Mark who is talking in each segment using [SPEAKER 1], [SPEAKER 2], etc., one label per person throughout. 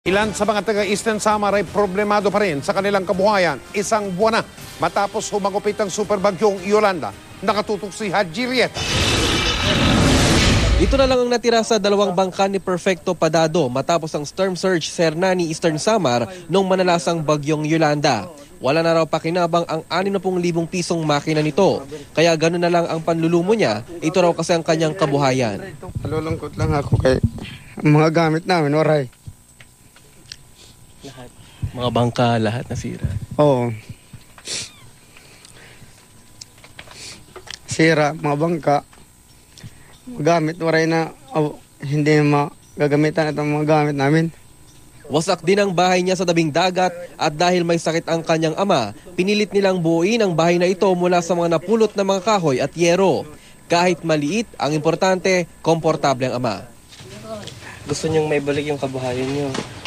[SPEAKER 1] Ilan sa mga taga-Eastern Samar ay problemado pa rin sa kanilang kabuhayan. Isang buwan na matapos humagupit ang superbagyong Yolanda. Nakatutok si Haji Rieta.
[SPEAKER 2] Ito na lang ang natira sa dalawang bangka ni Perfecto Padado matapos ang storm surge sa Hernani, Eastern Samar noong manalasang bagyong Yolanda. Wala na raw pakinabang ang 60,000 pisong makina nito. Kaya gano'n na lang ang panlulumo niya. Ito raw kasi ang kanyang kabuhayan.
[SPEAKER 3] Nalulungkot lang ako kay mga gamit namin, oray.
[SPEAKER 2] Lahat. Mga bangka, lahat nasira.
[SPEAKER 3] Oo. Sira, mga bangka. Gamit, waray na hindi magagamitan itong mga gamit namin.
[SPEAKER 2] Wasak din ang bahay niya sa tabing dagat at dahil may sakit ang kanyang ama, pinilit nilang buuin ang bahay na ito mula sa mga napulot na mga kahoy at yero. Kahit maliit, ang importante, komportable ang ama.
[SPEAKER 4] Gusto niyong may balik yung kabuhayan niyo?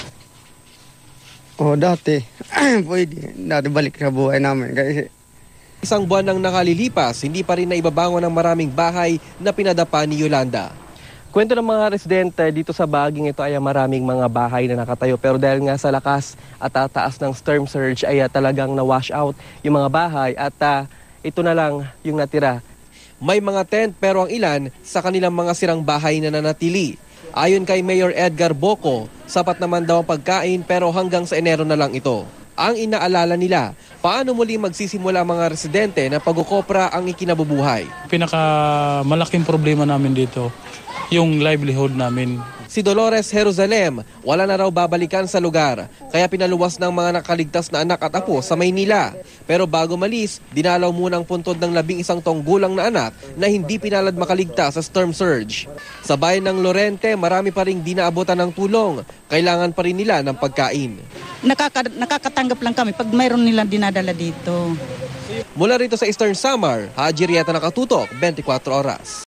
[SPEAKER 3] Dati. Pwede. Dati balik sa buhay namin. Kasi
[SPEAKER 2] Isang buwan nang nakalilipas, hindi pa rin naibabangon ang maraming bahay na pinadapa ni Yolanda.
[SPEAKER 4] Kwento ng mga residente dito sa bahaging ito ay maraming mga bahay na nakatayo. Pero dahil nga sa lakas at taas ng storm surge ay talagang na-wash out yung mga bahay at ito na lang yung natira.
[SPEAKER 2] May mga tent pero ang ilan sa kanilang mga sirang bahay na nanatili. Ayon kay Mayor Edgar Boco, sapat naman daw ang pagkain pero hanggang sa Enero na lang ito. Ang inaalala nila, paano muli magsisimula ang mga residente na pag-ukopra ang ikinabubuhay.
[SPEAKER 5] Pinakamalaking problema namin dito, yung livelihood namin.
[SPEAKER 2] Si Dolores Jerusalem, wala na raw babalikan sa lugar, kaya pinaluwas ng mga nakaligtas na anak at apo sa Maynila. Pero bago malis, dinalaw muna ang puntod ng 11 taong gulang na anak na hindi pinalad makaligtas sa storm surge. Sa bayan ng Lorente, marami pa ring di naabutan ng tulong. Kailangan pa rin nila ng pagkain.
[SPEAKER 6] Nakakatanggap lang kami pag mayroon nilang dinadala dito.
[SPEAKER 2] Mula rito sa Eastern Samar, Haji Rieta, Nakatutok, 24 Oras.